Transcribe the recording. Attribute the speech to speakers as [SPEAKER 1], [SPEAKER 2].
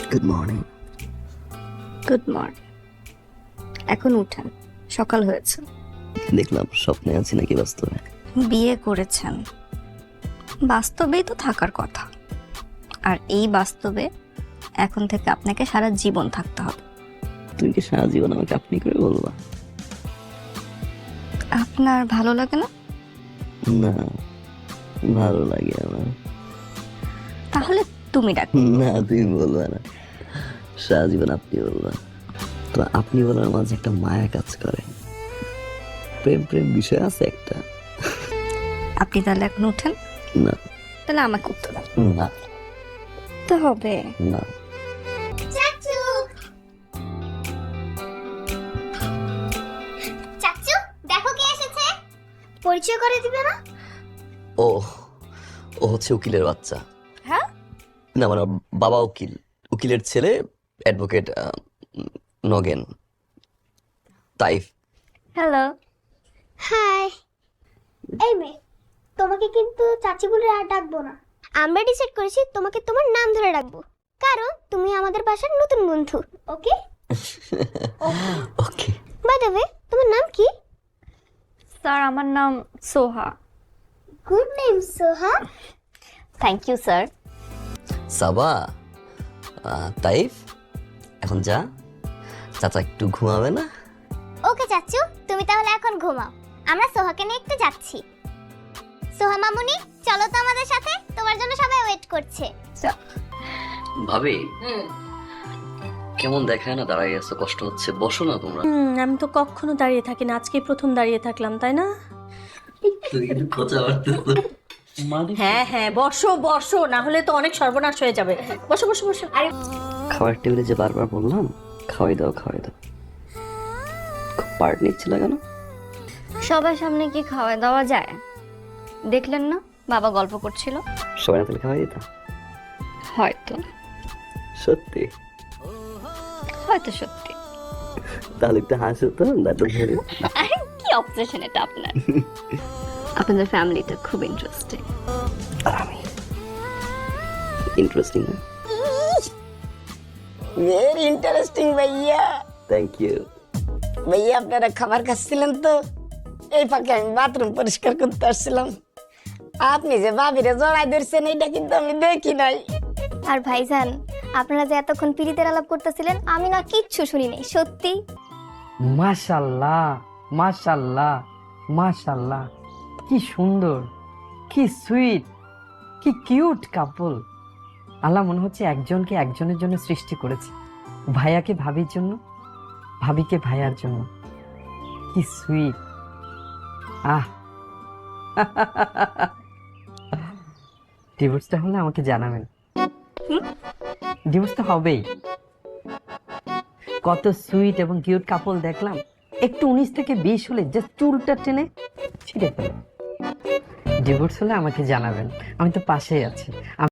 [SPEAKER 1] Good morning.
[SPEAKER 2] Good morning. এখন উঠেন, সকাল হয়েছে।
[SPEAKER 1] দেখলাম স্বপ্নে আছি নাকি বাস্তবে?
[SPEAKER 2] বিয়ে করেছেন, বাস্তবেই তো থাকার কথা। আর এই বাস্তবে এখন থেকে আপনাকে সারা জীবন থাকতে হবে।
[SPEAKER 1] তুমি কি সারা জীবন আমাকে আপনি করে বলবা?
[SPEAKER 2] আপনার ভালো লাগে না?
[SPEAKER 1] না, ভালো লাগে আমার।
[SPEAKER 2] তাহলে তুমি ডাক।
[SPEAKER 1] না, তুমি বলবা না, সারা জীবন আপনি বলবা। তো আপনি বলার মাঝে একটা মায়া কাজ করে, প্রেম প্রেম বিষয় আছে একটা।
[SPEAKER 2] আপনি তাহলে এখন উঠেন।
[SPEAKER 1] না
[SPEAKER 2] তাহলে আমাকে উঠতে দাও।
[SPEAKER 1] না
[SPEAKER 2] তো হবে।
[SPEAKER 1] না।
[SPEAKER 3] চাচু, চাচু দেখো কে এসেছে। পরিচয় করে দিবে না?
[SPEAKER 1] ও ও হচ্ছে উকিলের বাচ্চা।
[SPEAKER 2] হ্যাঁ,
[SPEAKER 1] না মানে ওর বাবা উকিল, উকিলের ছেলে advocate Nagen, Taif.
[SPEAKER 2] Hello.
[SPEAKER 3] Hi. এই মেয়ে, তোমাকে কিন্তু চাচি বলে আর ডাকবো না। আমরা ডিসাইড করেছি তোমাকে তোমার নাম ধরে ডাকবো, কারণ তুমি আমাদের বাসার নতুন বন্ধু। Okay
[SPEAKER 1] okay.
[SPEAKER 3] By the way, তোমার নাম কি?
[SPEAKER 2] স্যার, আমার নাম Soha.
[SPEAKER 3] Good name Soha.
[SPEAKER 2] Thank you sir.
[SPEAKER 1] Saba, Taif এখন যা, চাচা একটু ঘুমাবে না?
[SPEAKER 3] ওকে চাচু, তুমি তাহলে এখন ঘুমাও, আমরা সোহাকে নিয়ে একটু যাচ্ছি। সোহা মামুনি, চলো তো আমাদের সাথে, তোমার জন্য সবাই ওয়েট করছে।
[SPEAKER 1] ভাবি, কেমন দেখায় না দাঁড়াই আছো, কষ্ট হচ্ছে, বসো না তোমরা।
[SPEAKER 4] আমি তো কখনো দাঁড়িয়ে থাকি না, আজকে প্রথম দাঁড়িয়ে থাকলাম, তাই না?
[SPEAKER 1] তুমি কিন্তু খোঁচা মারতেছো।
[SPEAKER 4] হ্যাঁ হ্যাঁ, বসো বসো, না হলে তো অনেক সর্বনাশ হয়ে যাবে। বসো বসো বসো। আরে
[SPEAKER 1] খাবার টেবিলে যে বারবার বললাম খাওয়াই দাও খাওয়াই দাও, খুব পার্ট নিচ্ছিল কেন?
[SPEAKER 2] সবার সামনে কি খাওয়া দাওয়া যায়? দেখলেন না বাবা গল্প করছিল।
[SPEAKER 1] সবাই না তাহলে খাওয়াই দিতাম।
[SPEAKER 2] হয়তো
[SPEAKER 1] সত্যি?
[SPEAKER 2] হয়তো সত্যি।
[SPEAKER 1] তাহলে একটু হাসো তো, দাঁড়টা ধরে।
[SPEAKER 2] আরে কি অবসেশন এটা আপনার। আপনাদের ফ্যামিলিটা খুব ইন্টারেস্টিং।
[SPEAKER 1] আর আমি ইন্টারেস্টিং না?
[SPEAKER 5] ভেরি ইন্টারেস্টিং ভাইয়া।
[SPEAKER 1] Thank you.
[SPEAKER 5] ভাইয়া আপনারা খাবার খাচ্ছিলেন তো, এই ফাঁকে আমি বাথরুম পরিষ্কার করতে আসছিলাম। আপনি যে ভাবিরে জড়াই ধরছেন এটা কিন্তু আমি দেখি নাই।
[SPEAKER 3] আর ভাইজান, আপনারা যে এতক্ষণ পিরিতের আলাপ করতেছিলেন, আমি না কিচ্ছু শুনি নাই, সত্যি।
[SPEAKER 6] মাশাল্লাহ মাশাল্লাহ মাশাল্লাহ, কি সুন্দর, কি সুইট, কি কিউট কাপল। আল্লাহ মনে হচ্ছে একজনকে একজনের জন্য সৃষ্টি করেছে, ভাইয়াকে ভাবির জন্য, ভাবিকে ভাইয়ার জন্য। কি সুইট। আহ ডিভোর্সটা হলে আমাকে জানাবেন। ডিভোর্স তো হবেই। কত সুইট এবং কিউট কাপল দেখলাম, একটু 19 থেকে 20 হলে জাস্ট চুলটা টেনে ছিঁড়ে ফেলে। ডিভোর্স হলে আমাকে জানাবেন, আমি তো পাশেই আছি।